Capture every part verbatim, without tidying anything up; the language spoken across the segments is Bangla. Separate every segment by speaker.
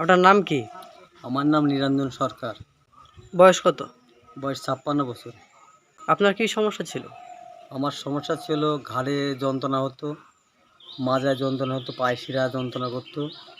Speaker 1: আপনার নাম কি?
Speaker 2: আমার নাম নিরঞ্জন সরকার।
Speaker 1: বয়স কত?
Speaker 2: বয়স ছাপ্পান্ন বছর।
Speaker 1: আপনার কি সমস্যা ছিল?
Speaker 2: আমার সমস্যা ছিল ঘাড়ে যন্ত্রণা হতো, মাজায় যন্ত্রণা হতো, পায়ে শিরা যন্ত্রণা করতো।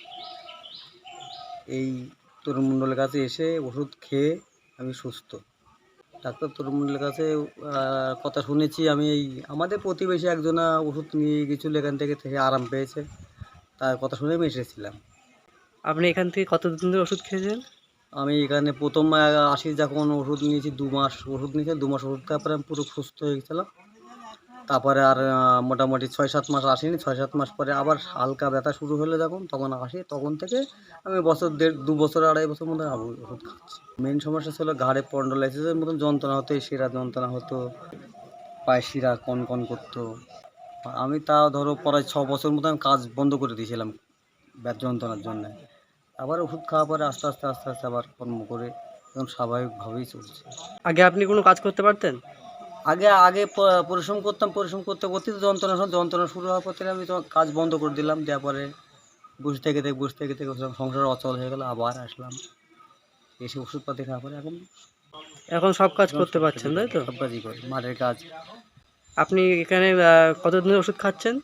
Speaker 2: এই তরুণ মণ্ডলের কাছে এসে ওষুধ খেয়ে আমি সুস্থ। ডাক্তার তরুণ মণ্ডলের কাছে আহ, কথা শুনেছি আমি, এই আমাদের প্রতিবেশী একজনা ওষুধ নিয়ে গেছিলো, এখান থেকে থেকে আরাম পেয়েছে, তার কথা শুনে আমি এসেছিলাম।
Speaker 1: আপনি এখান থেকে কতদিন ধরে ওষুধ খেয়েছেন?
Speaker 2: আমি এখানে প্রথম আহ, আসি যখন ওষুধ নিয়েছি, দু মাস ওষুধ নিয়েছি, দু মাস ওষুধ খাওয়ার পরে আমি পুরো সুস্থ হয়ে গেছিলাম। তারপরে আর আহ, মোটামুটি ছয় সাত মাস আসিনি, ছয় সাত মাস পরে আবার হালকা ব্যথা শুরু হলে যখন তখন আসি, তখন থেকে আমি বছর দেড় দু বছর আড়াই বছর মতো আমি ওষুধ খাচ্ছি। মেন সমস্যা ছিল ঘাড়ে স্পন্ডলাইসিসের মতন যন্ত্রণা হতো, এই শিরা যন্ত্রণা হতো, পায়ে শিরা কন কন করতো। আমি তাও ধরো প্রায় ছ বছর মতো আমি কাজ বন্ধ করে দিয়েছিলাম ব্যাথ যন্ত্রণার জন্য। আবার ওষুধ খাওয়ার পরে আস্তে আস্তে আস্তে আস্তে আবার কর্ম করে এখন স্বাভাবিকভাবেই চলছে।
Speaker 1: আগে আপনি কোনো কাজ করতে পারতেন?
Speaker 2: আগে আগে প- পরিশ্রম করতাম, পরিশ্রম করতে করতে তো যন্ত্রণা শুরু- যন্ত্রণা শুরু হওয়ার পর থেকে আমি তো কাজ বন্ধ করে দিলাম, দেওয়ার পরে বসে থেকে থেকে বসে থেকে থেকে সংসার অচল হয়ে গেল, আবার আসলাম এসে ওষুধপাতি খাওয়ার পরে এখন
Speaker 1: এখন সব কাজ
Speaker 2: এখন
Speaker 1: করতে
Speaker 2: সব
Speaker 1: পারছেন,
Speaker 2: কাজই
Speaker 1: তাই
Speaker 2: করি,
Speaker 1: তো?
Speaker 2: সব কাজই করি, মাঠের কাজ।
Speaker 1: আপনি এখানে আহ, কতদিন ধরে ওষুধ খাচ্ছেন?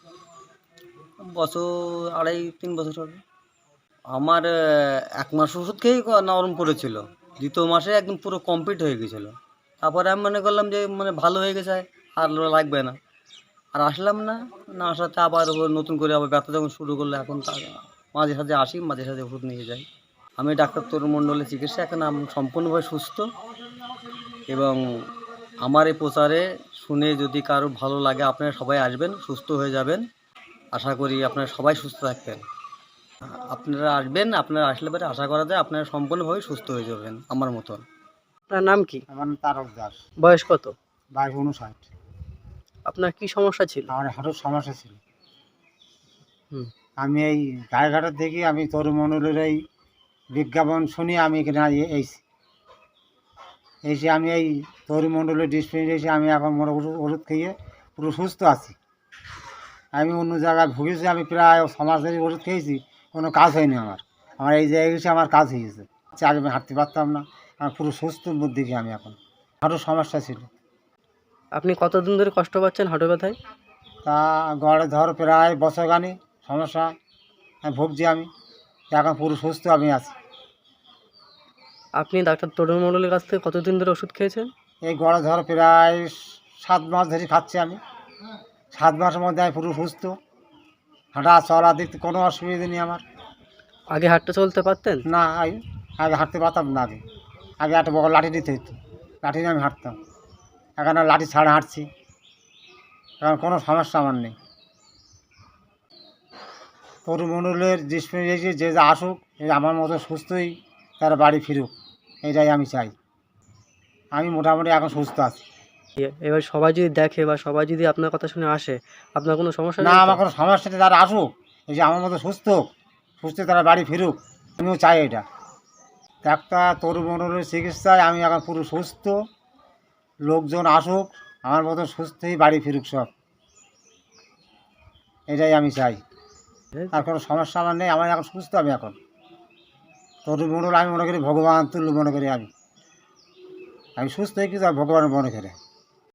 Speaker 2: বছর আড়াই তিন বছর হবে। আমার আহ, এক মাস ওষুধ খেয়েই ক- নরম পড়েছিল, দ্বিতীয় মাসে একদম পুরো কমপ্লিট হয়ে গেছিলো। তারপরে আমি মনে করলাম যে মানে ভালো হয়ে গেছে, আর লাগবে না, আর আসলাম না। না আসাতে আবার ও নতুন করে আবার ব্যথা যখন শুরু করলো, এখন তার মাঝে সাঝে আসি, মাঝে সাঝে ওষুধ নিয়ে যাই। আমি ডাক্তার তরুণ মণ্ডলের চিকিৎসা, এখন আমি সম্পূর্ণভাবে সুস্থ। এবং আমার এই প্রচারে শুনে যদি কারো ভালো লাগে, আপনারা সবাই আসবেন, সুস্থ হয়ে যাবেন। আশা করি আপনারা সবাই সুস্থ থাকবেন। আপনারা আসবেন, আপনারা আসলে পরে আশা করা যায় আপনারা সম্পূর্ণভাবে সুস্থ হয়ে যাবেন আমার মতন।
Speaker 1: আপনার নাম কি?
Speaker 3: আমার নাম তারক দাস।
Speaker 1: বয়স কত?
Speaker 3: বয়স উনষাট।
Speaker 1: আপনার কি সমস্যা ছিল?
Speaker 3: আমার হাঁটুর সমস্যা ছিল।
Speaker 1: হুম।
Speaker 3: আমি এই গায়েঘাটার থেকে আমি তরুমণ্ডলের এই বিজ্ঞাপন শুনি আমি এখানে এ- এইছি এসে আমি এই তরুমণ্ডলের ডিসপেন্সারি এসে আমি এখন মোটা ওষুধ ওষুধ খেয়ে পুরো সুস্থ আছি। আমি অন্য জায়গায় ভুগেছি, আমি প্রায় ছ মাস ধরে ওষুধ খেয়েছি, কোনো কাজ হয়নি আমার। আমার এই জায়গায় এসে আমার কাজ হয়ে গেছে। আচ্ছা, আগে আমি হাঁটতে পারতাম না, আমার পুরো সুস্থর মধ্যে গিয়ে আমি এখন। হাঁটুর সমস্যা ছিল,
Speaker 1: আপনি কতদিন ধরে কষ্ট পাচ্ছেন হাঁটু ব্যথায়?
Speaker 3: তা গড়ে ধর প্রায় বছর গানি সমস্যা আমি ভুগছি। আমি এখন পুরো সুস্থ আমি আছি।
Speaker 1: আপনি ডাক্তার তরুণ মণ্ডলের কাছ থেকে কতদিন ধরে ওষুধ খেয়েছেন?
Speaker 3: এই গড়ে ধর প্রায় সাত মাস ধরে খাচ্ছি আমি। সাত মাসের মধ্যে আমি পুরো সুস্থ, হাঁটা চলা দেখতে কোনো অসুবিধা নেই আমার।
Speaker 1: আগে হাঁটতে চলতে পারতেন?
Speaker 3: না, আমি আগে হাঁটতে পারতাম না। আগে আগে একটা বড় লাঠি নিতে হতো, লাঠি নিয়ে আমি হাঁটতাম। এখন আর লাঠি ছাড়া হাঁটছি, এখন কোনো সমস্যা আমার নেই। তরুমণ্ডলের ডিসপেন্সারি যে যা আসুক, এই আমার মতো সুস্থই তারা বাড়ি ফিরুক, এটাই আমি চাই। আমি মোটামুটি এখন সুস্থ আছি।
Speaker 1: এ- এবার সবাই যদি দেখে বা সবাই যদি আপনার কথা শুনে আসে, আপনার কোনো সমস্যা
Speaker 3: না,
Speaker 1: নেই তো?
Speaker 3: আমার কোনো সমস্যা নেই, তারা আসুক, এই যে আমার মতো সুস্থ সুস্থ তারা বাড়ি ফিরুক, আমিও চাই এটা। ডাক্তার তরুমণ্ডলের চিকিৎসায় আমি এখন পুরো সুস্থ। লোকজন আসুক, আমার মতো সুস্থই বাড়ি ফিরুক সব, এটাই আমি চাই। আর কোনো সমস্যা আমার নেই, আমার এখন সুস্থ। আমি এখন তরুমণ্ডল আমি মনে করি ভগবান তুল্য মনে করি। আমি আমি সুস্থ হয়ে কিছু ভগবান মনে করি।